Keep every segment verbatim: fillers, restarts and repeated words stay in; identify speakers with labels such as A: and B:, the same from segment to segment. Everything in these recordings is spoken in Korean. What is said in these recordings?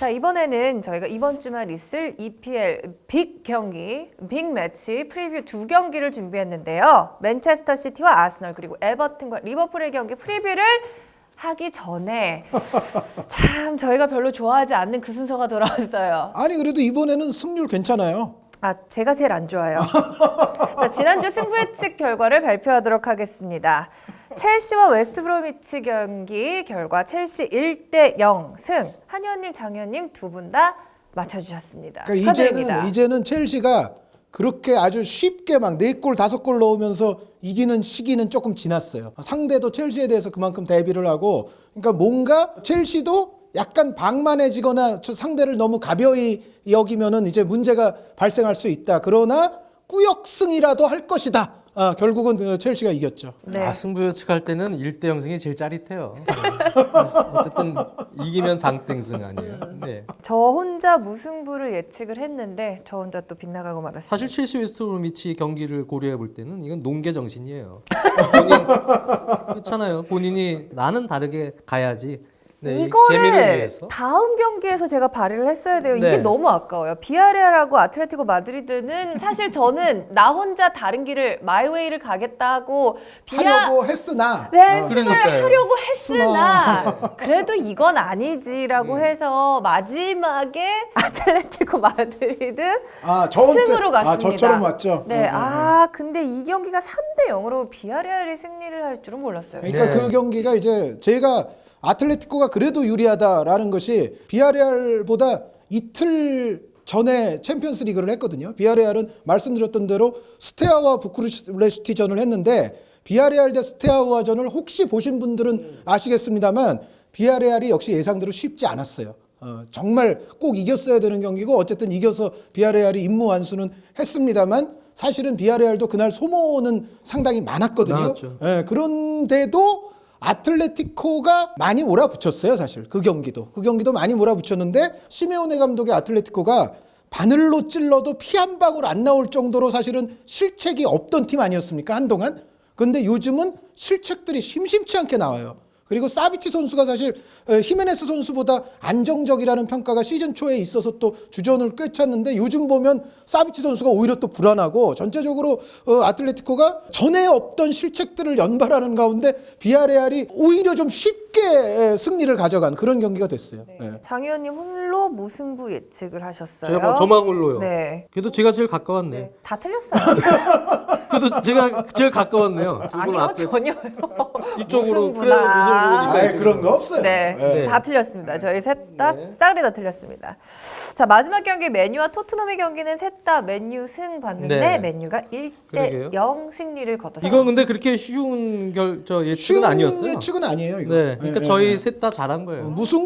A: 자, 이번에는 저희가 이번 주말 있을 이피엘 빅 경기, 빅 매치 프리뷰 두 경기를 준비했는데요. 맨체스터 시티와 아스널 그리고 에버튼과 리버풀의 경기 프리뷰를 하기 전에 참 저희가 별로 좋아하지 않는 그 순서가 돌아왔어요.
B: 아니 그래도 이번에는 승률 괜찮아요.
A: 아, 제가 제일 안 좋아요. 자, 지난주 승부 예측 결과를 발표하도록 하겠습니다. 첼시와 웨스트브로미치 경기 결과 첼시 일 대 영 승. 한의원님, 장의원님 두 분 다 맞춰주셨습니다.
B: 그러니까
A: 축하드립니다.
B: 이제는 이제는 첼시가 그렇게 아주 쉽게 막 네 골 다섯 골 넣으면서 이기는 시기는 조금 지났어요. 상대도 첼시에 대해서 그만큼 대비를 하고, 그러니까 뭔가 첼시도 약간 방만해지거나 상대를 너무 가벼이 여기면은 이제 문제가 발생할 수 있다. 그러나 꾸역승이라도 할 것이다. 아, 결국은 첼시가 이겼죠.
A: 네.
C: 아, 승부 예측할 때는 일 대 영승이 제일 짜릿해요. 어쨌든 이기면 상땡승 아니에요. 네.
A: 저 혼자 무승부를 예측을 했는데 저 혼자 또 빗나가고 말았습니다.
C: 사실 첼시 웨스트브로미치 경기를 고려해 볼 때는 이건 농계 정신이에요. 본인 그렇잖아요. 본인이 나는 다르게 가야지. 네, 재미를
A: 이거를
C: 위해서.
A: 다음 경기에서 제가 발휘를 했어야 돼요. 이게
C: 네.
A: 너무 아까워요. 비아레알하고 아틀레티코 마드리드는 사실 저는 나 혼자 다른 길을 마이웨이를 가겠다 하고 비아
B: 하려고 했으나
A: 랜승을
C: 그러니까요.
A: 하려고 했으나 그래도 이건 아니지라고
C: 음.
A: 해서 마지막에 아틀레티코 마드리드
B: 아, 저한테-
A: 승으로 갔습니다.
B: 아, 저처럼 왔죠.
A: 네,
B: 어, 어, 어.
A: 아 근데 이 경기가 삼 대 영으로 비아레알이 승리를 할 줄은 몰랐어요.
B: 그러니까
C: 네.
B: 그 경기가 이제 제가 아틀레티코가 그래도 유리하다라는 것이 비아레알보다 이틀 전에 챔피언스 리그를 했거든요. 비아레알은 말씀드렸던 대로 스테아와 부쿠레슈티전을 했는데 비아레알 대 스테아와전을 혹시 보신 분들은 아시겠습니다만 비아레알이 역시 예상대로 쉽지 않았어요. 어, 정말 꼭 이겼어야 되는 경기고 어쨌든 이겨서 비아레알이 임무 완수는 했습니다만 사실은 비아레알도 그날 소모는 상당히 많았거든요.
C: 많았죠.
B: 예, 그런데도 아틀레티코가 많이 몰아붙였어요, 사실. 그 경기도. 그 경기도 많이 몰아붙였는데 시메오네 감독의 아틀레티코가 바늘로 찔러도 피 한 방울 안 나올 정도로 사실은 실책이 없던 팀 아니었습니까? 한동안. 근데 요즘은 실책들이 심심치 않게 나와요. 그리고 사비치 선수가 사실 히메네스 선수보다 안정적이라는 평가가 시즌 초에 있어서 또 주전을 꿰찼는데 요즘 보면 사비치 선수가 오히려 또 불안하고 전체적으로 어, 아틀레티코가 전에 없던 실책들을 연발하는 가운데 비아레알이 오히려 좀 쉽게 승리를 가져간 그런 경기가 됐어요.
A: 네.
B: 예.
A: 장 의원님 홀로 무승부 예측을 하셨어요.
C: 제가 뭐 저만 홀로요.
A: 네.
C: 그래도 제가 제일 가까웠네.
A: 네, 다 틀렸어요.
C: 그래도 제가 제일 가까웠네요. 두 분
A: 아니요,
C: 앞에
A: 전혀요.
C: 이쪽으로
A: 무승부다.
C: 그래 무슨 부분이니까.
B: 아예 그런 거 없어요.
A: 네,
C: 네.
A: 다 틀렸습니다. 저희 셋 다 싸그리 다 틀렸습니다. 자, 마지막 경기 맨유와 토트넘의 경기는 셋 다 맨유 승 봤는데
C: 네.
A: 맨유가 일 대
C: 그러게요.
A: 영 승리를 거뒀어요.
C: 이건 근데 그렇게 쉬운 결, 저 예측은
B: 쉬운
C: 아니었어요.
B: 예측은 아니에요. 이거.
C: 네, 그러니까
B: 예,
C: 저희
B: 예.
C: 셋 다 잘한 거예요.
B: 어,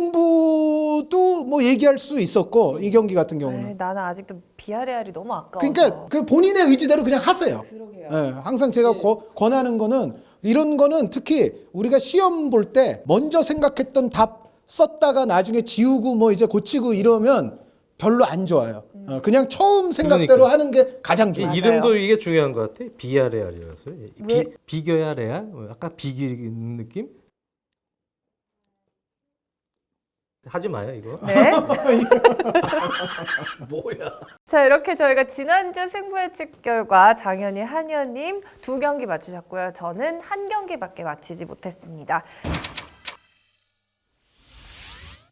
B: 무승부도 뭐 얘기할 수 있었고 이 경기 같은 경우는.
A: 에이, 나는 아직도 비아레알이 너무 아까워서.
B: 그러니까 그 본인의 의지대로 그냥 하세요.
A: 그러게요.
B: 예, 항상 제가 거- 권하는 거는 이런 거는 특히 우리가 시험 볼 때 먼저 생각했던 답 썼다가 나중에 지우고 뭐 이제 고치고 이러면 별로 안 좋아요. 어, 그냥 처음 생각대로
C: 그러니까.
B: 하는 게 가장
C: 이
B: 좋아요.
A: 맞아요.
C: 이름도 이게 중요한 것 같아. 비아레알이라서.
A: 왜?
C: 비, 비겨야 레알? 뭐 약간 비기는 느낌? 하지 마요 이거.
A: 네.
C: 뭐야?
A: 자, 이렇게 저희가 지난주 승부 예측 결과 장현이, 한현님 두 경기 맞추셨고요. 저는 한 경기밖에 맞히지 못했습니다.